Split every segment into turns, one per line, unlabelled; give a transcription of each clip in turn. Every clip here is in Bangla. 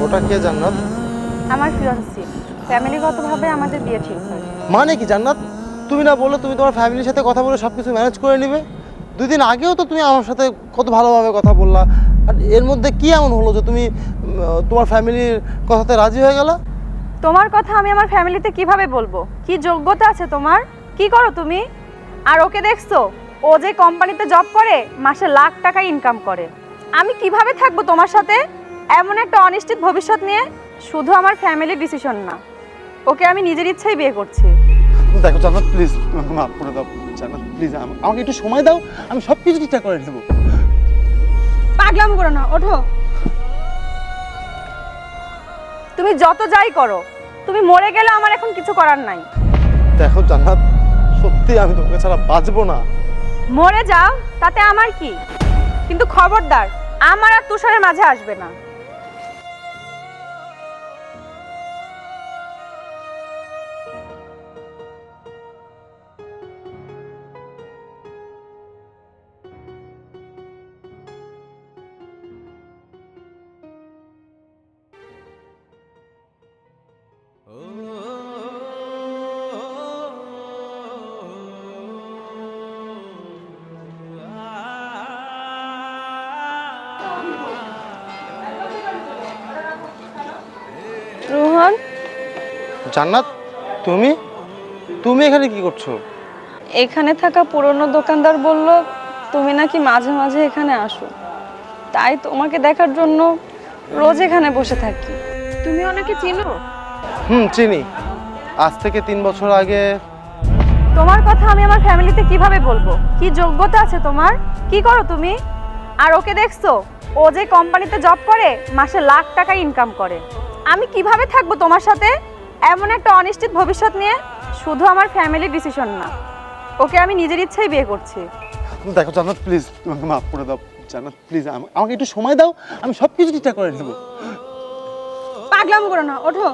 ওটা কে জান্নাত?
আমার ফিয়ান্সি। ফ্যামিলিগতভাবে আমাদের বিয়ে ঠিক হয়।
মানে কি জান্নাত? তুমি না বললে তুমি তোমার ফ্যামিলির সাথে কথা বলে সব কিছু ম্যানেজ করে নিবে? 2 দিন আগেও তো তুমি আমার সাথে কত ভালোভাবে কথা বললা। আর এর মধ্যে কি এমন হলো যে তুমি তোমার ফ্যামিলির কথাতে রাজি হয়ে গেলা?
তোমার কথা আমি আমার ফ্যামিলিতে কিভাবে বলবো? কি যোগ্যতা আছে তোমার? কি করো তুমি? আর ওকে দেখছো? ও যে কোম্পানিতে জব করে মাসে লাখ টাকা ইনকাম করে। আমি কিভাবে থাকবো তোমার সাথে এমন একটা অনিশ্চিত ভবিষ্যৎ নিয়ে? শুধু আমার ফ্যামিলির ডিসিশন না, ওকে আমি নিজের ইচ্ছাই বিয়ে করছি।
দেখো জান্নাত, প্লিজ আমাকে মাফ করে দাও। জান্নাত প্লিজ আমাকে একটু সময় দাও, আমি সব কিছু ঠিকঠাক করে নেবো।
পাগলাম করো না, ওঠো। তুমি যত যাই করো, তুমি মরে গেলে আমার এখন কিছু করার নাই।
দেখো জান্নাত, সত্যি আমি তোমাকে ছাড়া বাঁচবো না।
মরে যাও, তাতে আমার কি? কিন্তু খবরদার আমার আর তুষারের মাঝে আসবে না। রোহন,
জান্নাত, তুমি তুমি এখানে কি করছো?
এখানে থাকা পুরনো দোকানদার বলল তুমি নাকি মাঝে মাঝে এখানে আসো, তাই তোমাকে দেখার জন্য রোজ এখানে বসে থাকি। তুমি ওনাকে চিনো?
চিনি। আজ থেকে 3 বছর আগে।
তোমার কথা আমি আমার ফ্যামিলিতে কিভাবে বলবো? কি যোগ্যতা আছে তোমার? কি করো তুমি? আর ওকে দেখছো? ও যে কোম্পানিতে জব করে মাসে লাখ টাকা ইনকাম করে। আমি কিভাবে থাকবো তোমার সাথে এমন একটা অনিশ্চিত ভবিষ্যৎ নিয়ে? শুধু আমার ফ্যামিলির ডিসিশন না, ওকে আমি নিজের ইচ্ছাই বিয়ে করছি।
দেখো জান্নাত, প্লিজ আমাকে মাফ করে দাও। জান্নাত প্লিজ আমাকে একটু সময় দাও, আমি সব কিছু ঠিকঠাক করে নেবো।
পাগলাম করো না, ওঠো।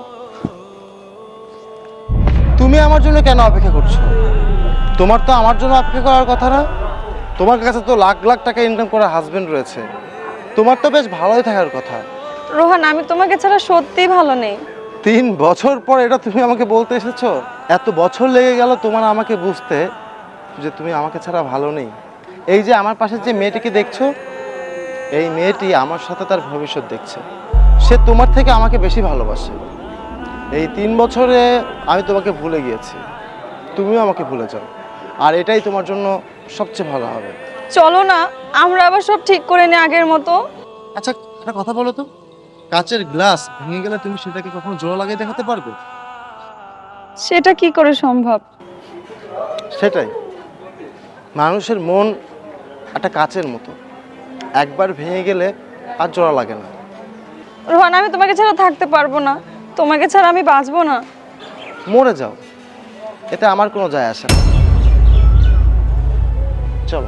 তুমি আমার জন্য কেন অপেক্ষা করছো? তোমার তো আমার জন্য অপেক্ষা করার কথা না। তোমার কাছে তো লাখ লাখ টাকা ইনকাম করার হাজবেন্ড রয়েছে। তোমার তো বেশ ভালোই থাকার কথা।
রোহান, আমি তোমাকে ছাড়া সত্যিই ভালো নেই।
3 বছর পর এটা তুমি আমাকে বলতে এসেছো? এত বছর লেগে গেল তোমার আমাকে বুঝতে যে তুমি আমাকে ছাড়া ভালো নেই। এই যে আমার পাশে যে মেয়েটিকে দেখছো, এই মেয়েটি আমার সাথে তার ভবিষ্যৎ দেখছে। সে তোমার থেকে আমাকে বেশি ভালোবাসে। এই 3 বছরে আমি তোমাকে ভুলে গিয়েছি, তুমিও আমাকে ভুলে যাও। আর এটাই তোমার জন্য সবচেয়ে ভালো হবে।
চলো না, আমরা আবার সব ঠিক করে নিই আগের মতো।
আচ্ছা, একটা কথা বলো তো, কাচের গ্লাস ভেঙে গেলে তুমি সেটাকে কখনো জোড়া লাগিয়ে দেখাতে পারবে?
সেটা কি করে সম্ভব?
সেটাই, মানুষের মন একটা কাচের মতো, একবার ভেঙে গেলে আর জোড়া লাগে না।
রোহান, আমি তোমাকে ছাড়া থাকতে পারবো না। তোমাকে ছাড়া আমি বাঁচবো না।
মরে যাও, এতে আমার কোনো যায় আসে না। চলো।